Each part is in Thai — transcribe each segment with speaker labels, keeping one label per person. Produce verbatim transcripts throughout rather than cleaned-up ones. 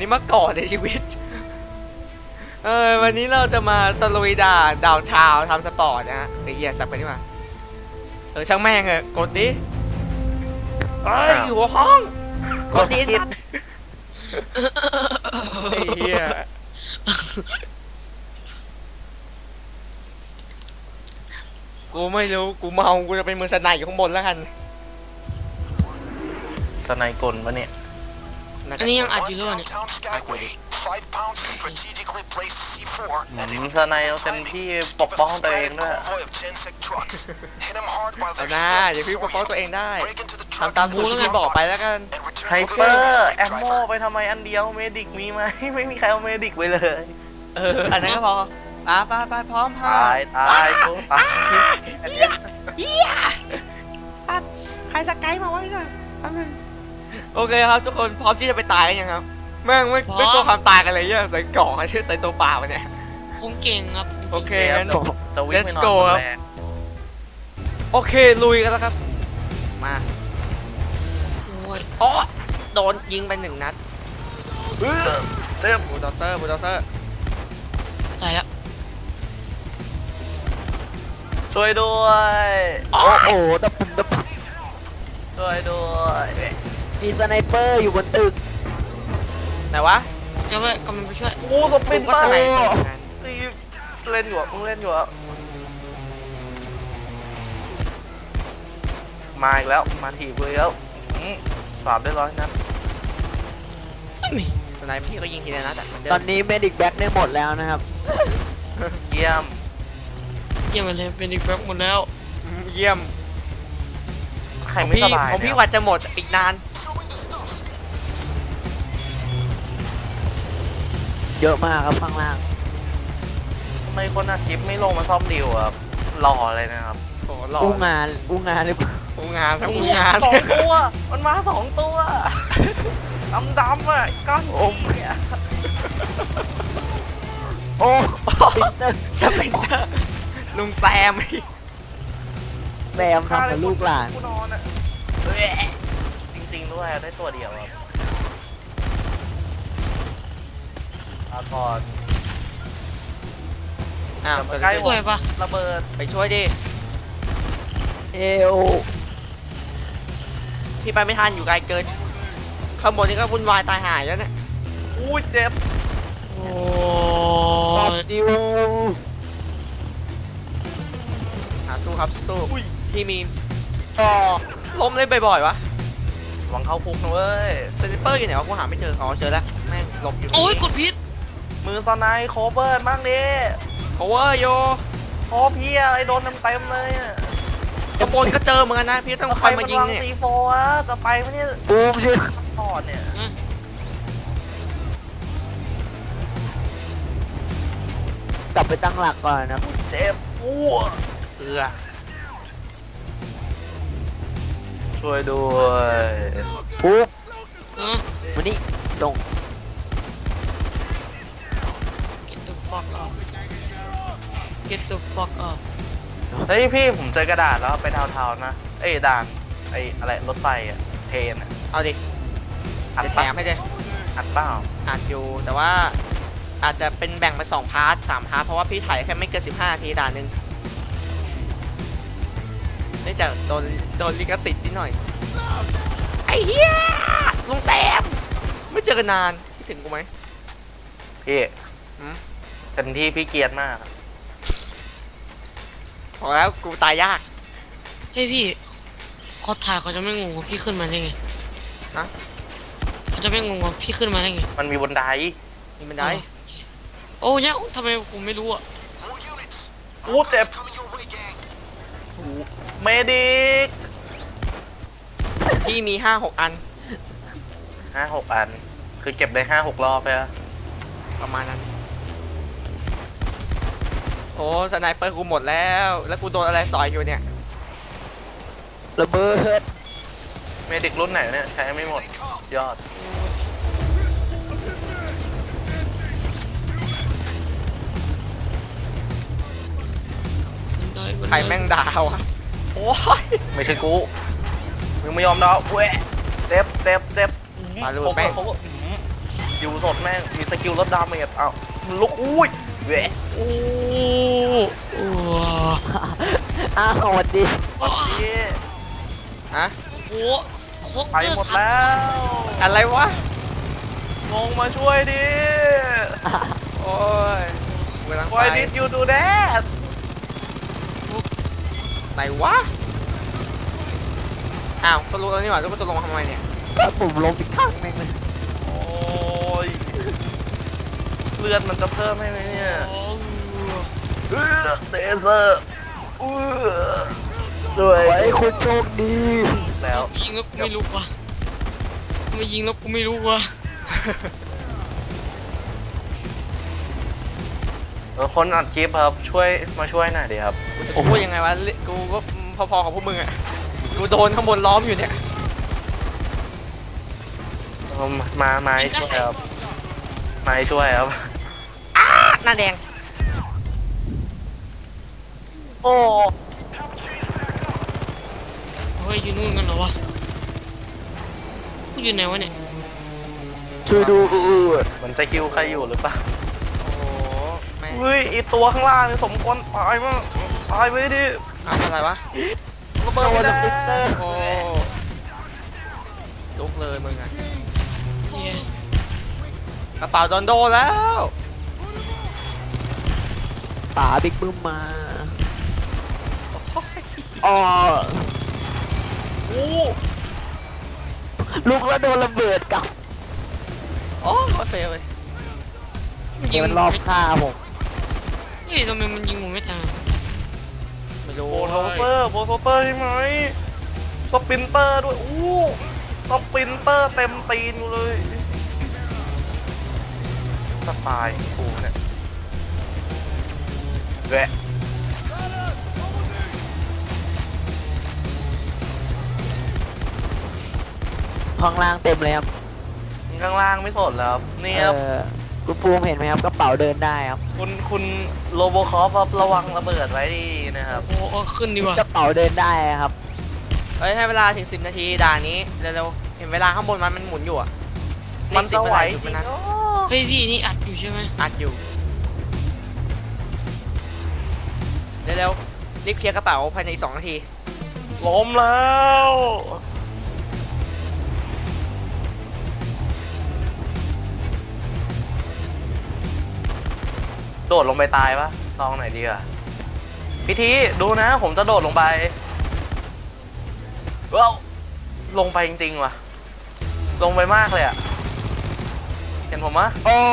Speaker 1: นี้มาก่อนในชีวิตเออวันนี้เราจะมาตะลุยด่าดาวชาวทำสปอร์ตนะฮะไอ้เหี้ยสับไปนี่มาเออช่างแม่งเออกดดิเอ้ยอยู่ห้องกดดิสัตว์ไอ้เหี้ยกูไม่รู้กูเมากูจะเป็นมือสไนอยู่ข้างบนแล้วกัน
Speaker 2: สไนกลปะเนี่ย
Speaker 3: อันนี้ยังอัดอยู่ด้วยเนี่ย
Speaker 2: อืมสไนเอาเต็มที่ปกป้องตัวเองด้วย
Speaker 1: เอาหน้าเดี๋ยวพี่ปกป้องตัวเองได้ทำตามสูตรที่พี่บอกไปแล้วกัน
Speaker 2: ไฮเปอร์แอมโมไปทำไมอันเดียวเมดิกมีไหมไม่มีใครเอาเมดิกไปเลย
Speaker 1: เอออันนั้นก็พออ่ะไปไปพร้อมพ่อ
Speaker 2: ตายตายกูตาย
Speaker 1: เฮียเฮียสัตว์ใครสกายมาวะไอ้สัตว์โอเคครับทุกคนพร้อมที่จะไปตายกันยังครับแม่งไม่ไม่ตัวความตายกันเลยเนี่ยใส่กล่องไอ้ที่ใส่ตัวเปล่าเนี่ย
Speaker 3: ผมเก่งครับ
Speaker 1: โอเคงั้น
Speaker 2: let's
Speaker 1: go ครับโอเคลุยกันแล้วครับมาอ๋อโดนยิงไปหนึ่งนัด
Speaker 2: เจ็บ
Speaker 1: บูลดอเซอร์บูลดอเซอร์
Speaker 3: ตายแล้ว
Speaker 2: ช่วยด้วย
Speaker 4: โอ้โหตะปุ่มตะปุ่ม
Speaker 2: ช่วยด้วย
Speaker 4: มีสไนเปอร์อยู่บนตึก
Speaker 1: ไหนวะ
Speaker 3: จะไปกำลังไปช่วย
Speaker 2: โอ้สปิน
Speaker 1: ก็สไนเปอร์
Speaker 2: ตีเล่นอยู่อ่ะมึงเล่นอยู่อ่ะมาอีกแล้วมาถีบเลยแล้วสามได้ร้อยนัด
Speaker 1: สไนเปอร์พี่ก็ยิงทีละนัดอะ
Speaker 4: ตอนนี้เมดิกแบ็กได้หมดแล้วนะครับ
Speaker 2: เยี่ยม
Speaker 3: เยี่ยมเลยเป็นอีกแบ็กหมดแล้ว
Speaker 1: เยี่ยม
Speaker 2: ใครไม่สบาย
Speaker 1: ผมพี่วัดจะหมดอีกนาน
Speaker 4: เยอะมากครับข้างล่าง
Speaker 2: ทำไมคนอัดคลิปไม่ลงมาซ่อมดิวอ่ะหล่อเลยนะครับ
Speaker 1: โอ้หล่อ
Speaker 4: อู้งานอู้งานหรือเปล่า
Speaker 1: อู้งานครับอู้งาน
Speaker 2: สองตัวมันมาสองตัวดำดำอ่ะก้อนอมเนี่ย
Speaker 4: โอ้สปินเตอร์
Speaker 1: สปินเตอร์ลุงแซม
Speaker 4: แซมทำกับลูกหลาน
Speaker 2: นอนอ่ะจริงๆด้วยได้ตัวเดียวครับอาก่อน
Speaker 1: อ้าว
Speaker 3: ใกล้ช่วยปะ
Speaker 2: ระเบิด
Speaker 1: ไปช่วยดิ
Speaker 4: เอว
Speaker 1: พี่ไปไม่ทันอยู่ไกลเกินข้างบนนี่ก็วุ่นวายตายหายแล้วเนี่ย
Speaker 2: อู้เจ็บ
Speaker 3: โอ้
Speaker 4: ดิว
Speaker 1: หาสู้ครับสู้พี่มี
Speaker 4: ต่อ
Speaker 1: ล้มเล่นบ่อยๆวะ
Speaker 2: หวังเข้าคุกนะเว้ย
Speaker 1: สไนเปอร์อยู่ไหนวะกูหาไม่เจออ๋อเจอแล้วแม่งหลบอยู่
Speaker 3: โอ้ยกดพิษ
Speaker 2: มือสไนโคเบิร์ดมากดิ
Speaker 1: โคเวอร์โย
Speaker 2: โอ้พี่อะไรโดนเต็มเต็มเลยอ่ะ
Speaker 1: กระโปนก็เจอเหมือนกันนะพี่ต้องคอยมายิงเนี่ย
Speaker 2: ซีโฟอ่ะจะไปไหมเนี่ย
Speaker 4: บูมชิ
Speaker 2: ถอดเนี่ย
Speaker 4: กลับไปตั้งหลักก่อนนะ
Speaker 2: เจ็บอ้ว
Speaker 1: เอือ
Speaker 2: ช่วยด้วย
Speaker 4: ปุ๊บวันนี้ลง
Speaker 3: Get the fuck up Get the fuck up
Speaker 2: เฮ้ยพี่ผมเจอกระดาษแล้วไปดาวเทานะเอ้ยด่านไอ้อะไรรถไฟอะเทรนอะ
Speaker 1: เอาดิอัดแถมให้ดิ
Speaker 2: อัดเปล่า
Speaker 1: อัดอยู่แต่ว่าอาจจะเป็นแบ่งไปสองพาร์ทสามพาร์ทเพราะว่าพี่ถ่ายแค่ไม่เกินสิบห้านาทีด่านหนึ่งเนื่องจากโดนโดนลิขสิทธิ์นิดหน่อยไอ้เหี้ยลุงแซมไม่เจอกันนานคิดถึงกูไหม
Speaker 2: พี่เต็มที่พี่เกียรติมาก
Speaker 1: พอแล้วกูตายยาก
Speaker 3: เฮ้ยพี่เขาถ่ายเขาจะไม่งงว่าพี่ขึ้นมาได้ไง
Speaker 1: ฮะ
Speaker 3: เขาจะไม่งงว่าพี่ขึ้นมาได้ไง
Speaker 2: มันมีบันได
Speaker 1: มีบันได
Speaker 3: โอ้ยทำไมผมไม่รู้อ่ะ
Speaker 2: อู้เจ็บเมดิก
Speaker 1: พี่มีห้าหกอัน
Speaker 2: ห้าหกอันคือเก็บได้ห้าหกรอบไปอะ
Speaker 1: ประมาณนั้นโอ้สไนเปอร์กูหมดแล้วแล้วกูโดนอะไรสอยอยู่เนี่ย
Speaker 4: ระเบิด
Speaker 2: เมดิกรุ่นไหนเนี่ยใช้ไม่หมดยอด
Speaker 1: ใครแม่งดาวอะโอ้ย
Speaker 2: ไม่ใช่กูมึงไม่ยอมดาวเว้ยเจ็บเจ็บเจ็บ
Speaker 1: มาลูกแม่ง
Speaker 2: โกิลสดแม่งมีสกิลลดดาเมจอ้าวมันลุกอุ้ยแหวะ
Speaker 3: โอ้โอ้
Speaker 4: อ้าวสวัสดี
Speaker 3: โอ้
Speaker 2: เย้
Speaker 1: ฮะ
Speaker 3: โหโคก
Speaker 2: ไป
Speaker 3: เกอร์
Speaker 2: หมด
Speaker 3: สัต
Speaker 2: แล้
Speaker 3: ว์
Speaker 2: ว
Speaker 1: อะไรวะ
Speaker 2: งงมาช่วยดิ
Speaker 1: โอ้ยกำลังไป
Speaker 2: Why did you do that
Speaker 1: ไหนวะ อ้าวก็รู้แล้วนี่หว่าแล้วก็จะลงมาทำไมเนี่ย
Speaker 4: แล้วผมลงอีกข้างแม่งเลย
Speaker 2: โอ้ยเลือดมันจะเพิ่มให้ไหมเนี่ย
Speaker 3: โอ้
Speaker 2: เออเดเซอร์เออด้วย
Speaker 4: ไว้คุณโชคดี
Speaker 2: แล้ว
Speaker 3: ยิงแล้วกูไม่รู้ว่ะไม่ยิงแล้วกูไม่รู้ว่ะ
Speaker 2: เออคนอัดคลิปครับช่วยมาช่วยหน่อยดิครับ
Speaker 1: กูจะช่วยยังไงวะ กูก็พอๆกับพวกมึงอ่ะ กูโดนข้างบนล้อมอยู่เนี่ย
Speaker 2: เอามามามาให้ช่วยครับมาให้ช่วยครับ
Speaker 1: หน้าแดง
Speaker 4: โอ้
Speaker 3: เฮ้ยอยู่นู่นกันเหรอวะกูอยู่ไหนวะเนี่ย
Speaker 4: ช่วยดู
Speaker 2: มันจะคิวใครอยู่หรือเปล่า
Speaker 1: โอ้โหไม่
Speaker 2: เฮ้ยไอตัวข้างล่างนี่สมควรตายมากตายไปดิ
Speaker 1: เอาอะไรวะ
Speaker 2: ระเบิดไม่ได้
Speaker 1: โอ้ลุกเลยมึงอ่ะ
Speaker 3: เฮีย
Speaker 1: กระเป๋าโดนโดนแล้ว
Speaker 4: ป๋าบิ๊กบึ้มมา
Speaker 1: โอ้ย
Speaker 4: อ๋อ
Speaker 2: โอ้
Speaker 4: ลูกแล้วโดนระเบิดกับ
Speaker 1: โอ้โคตรเฟลเลย
Speaker 3: มันยิง
Speaker 4: มันรอบฆ่าผม
Speaker 3: เฮ้ยทำไมมันยิงผมไม่ตาย
Speaker 1: ไม่รู้
Speaker 2: โบโทเปอร์โบโทเปอร์ใช่ไหมสปรินเตอร์ด้วยอู้สปรินเตอร์เต็มตีนอยู่เลยสปายกูเนี่ยแหวะ
Speaker 4: ข้างล่างเต็มเลยครับ
Speaker 2: ข้างล่างไม่สนแล้วครับนี่
Speaker 4: เอ
Speaker 2: ครับ
Speaker 4: อคุณภูมิเห็นไหมครับกระเป๋าเดินได้ครับ
Speaker 2: คุณคุณโลโบคอฟครับระวังระเบิดไว้ดีนะครับ
Speaker 3: โอ้โหขึ้นดีกว่าก
Speaker 4: ระเป๋าเดินได้ครับ
Speaker 1: เฮ้ยให้เวลาถึงสิบนาทีด่านนี้เร็วๆเห็นเวลาข้างบนมันมันหมุนอยู่อ่ะเล
Speaker 2: มัน
Speaker 1: ขสิ
Speaker 2: จะ
Speaker 1: บเว
Speaker 2: ไหว
Speaker 1: ลา
Speaker 2: จ
Speaker 1: อยู่
Speaker 2: ริ
Speaker 1: มัน
Speaker 2: ง
Speaker 1: นั้น
Speaker 2: โอ้
Speaker 3: เฮ้ยพี่นี่อัดอยู่ใช่ไหม
Speaker 1: อัดอยู่ เร็วๆรีบเคลียร์กระเป๋าภายในอีกสองนาที
Speaker 2: ล้มแล้วโดดลงไปตายปะลองหน่อยดีอ่ะพิธีดูนะ ผมจะโดดลงไปว้าวลงไปจริงๆว่ะ ลงไปมากเลยอ่ะ เห็นผมมะ
Speaker 4: โอ้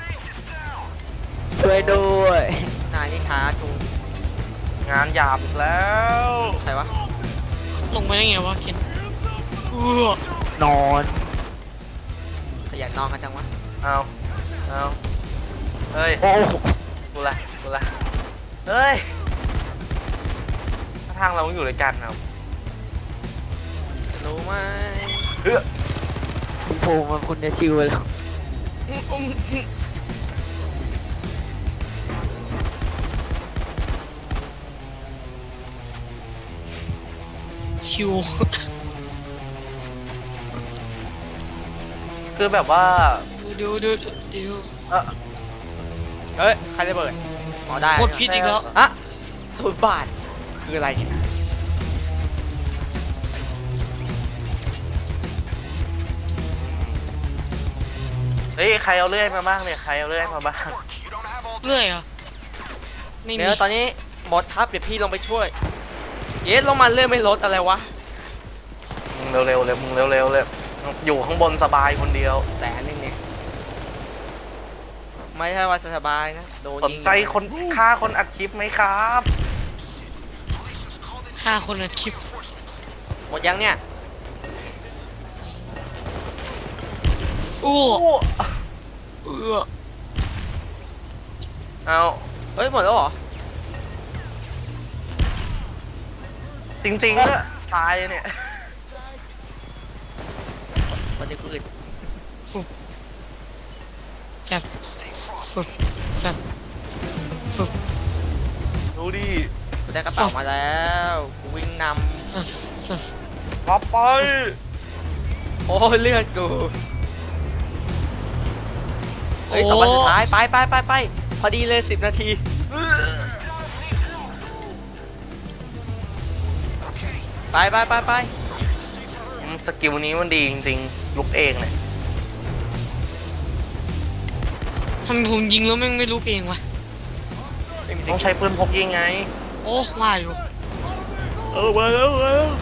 Speaker 4: ช่วยด้วย
Speaker 1: นายนี่ช้าจุง
Speaker 2: งานหยาบอีกแล้ว
Speaker 1: ใครวะ
Speaker 3: ลงไปได้ไงวะเคนเออน
Speaker 4: อน
Speaker 1: ขยันนอนกันจังวะ
Speaker 2: เอาเอาเฮ้ย
Speaker 4: โอ้
Speaker 2: กูละกูละเฮ้ยถ้าทางเราอยู่ด้วยกันครับ
Speaker 1: รู้ไหม
Speaker 2: เฮ้ย
Speaker 4: คุณภูมิคุณจะชิวไปแล้ว
Speaker 3: อืมอืมอืมชิว
Speaker 2: คือแบบว่า
Speaker 3: เดี๋ยวเดี๋ยวเดี๋ยว
Speaker 2: เอ่อ
Speaker 1: เฮ้ยใครระเบิดหมอได้
Speaker 3: กดผิดอีกแล้ว
Speaker 1: อะศูนย์บาทคืออะไรเนี่ย
Speaker 2: เฮ้ยใครเอาเลื่อยมาบ้างเนี่ยใครเอาเลื่อยมาบ้าง
Speaker 3: เรื่อยเหรอ่ะไม่มี
Speaker 1: เดี๋ยวตอนนี้หมดทับเดี๋ยวพี่ลงไปช่วย เยสลงมาเรื่อยไม่ลดอะไรวะ
Speaker 2: มึงเร็วๆเลยมึงเร็วๆเลยอยู่ข้างบนสบายคนเดียว
Speaker 1: แสนหนึ่งเนี่ยไม่ใช่ว่าสบายนะโดน
Speaker 2: สน
Speaker 1: ยิง
Speaker 2: ใจคนฆ่าคนอัดคลิปไหมครับ
Speaker 3: ห้าคนอัดคลิป
Speaker 1: หมดยังเนี่ย
Speaker 3: อู้
Speaker 2: โอ้
Speaker 3: เออ
Speaker 2: เอา
Speaker 1: เฮ้ยหมดแล้วเหรอ
Speaker 2: จริงๆก็ตายเนี่ย
Speaker 1: มันจะกูอึด
Speaker 3: ฟุบแฟบฟุบแฟบฟุบ
Speaker 2: ดูดิ
Speaker 1: กูได้กระเป๋ามาแล้วกูวิ่งน
Speaker 3: แฟบแฟบ
Speaker 2: รับไป
Speaker 1: ำโอ้ยเลือดกูเฮ้ยสองวันสุดท้าย ไปไปไปไปพอดีเลยสิบนาที ไปไปไปไป
Speaker 2: อืมสกิลนี้มันดีจริงๆลุกเองเนี่ย
Speaker 3: ทำไมผมยิงแล้วแม่งไม่รู้เองวะ
Speaker 1: ไม่มีสิ
Speaker 2: ต้องใช้ปืนพกยิงไง
Speaker 3: โอ้ว่าอยู่
Speaker 1: เออมาแล้วมาแล้ว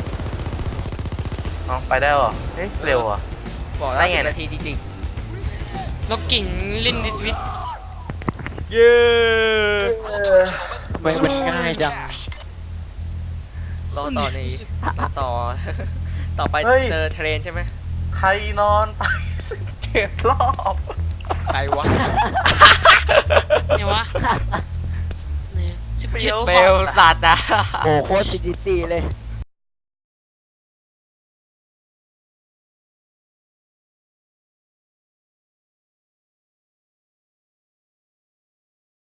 Speaker 2: เอาไปได้เหรอเฮ้ยเร็วอ่ะ
Speaker 1: บอกแล้ว
Speaker 2: ได้ไง
Speaker 1: สิบ
Speaker 2: เนี่ย
Speaker 1: นาทีจริง
Speaker 3: แล้วกิ่งเล่นดิสวิต
Speaker 1: ๆเย้
Speaker 4: ทำไมมันง่ายจัง
Speaker 1: รอต่อในรอต่อ ต่อไปเจอเทรนใช่ไหม
Speaker 2: ใครนอนไปสิบเจ็ดรอบ
Speaker 1: ใครวะ
Speaker 3: เนี่ยวะเนี่ยสิบเจ็ด
Speaker 1: เฟลสัตว์อะ
Speaker 4: โอ้โคตรซีดีซีเลย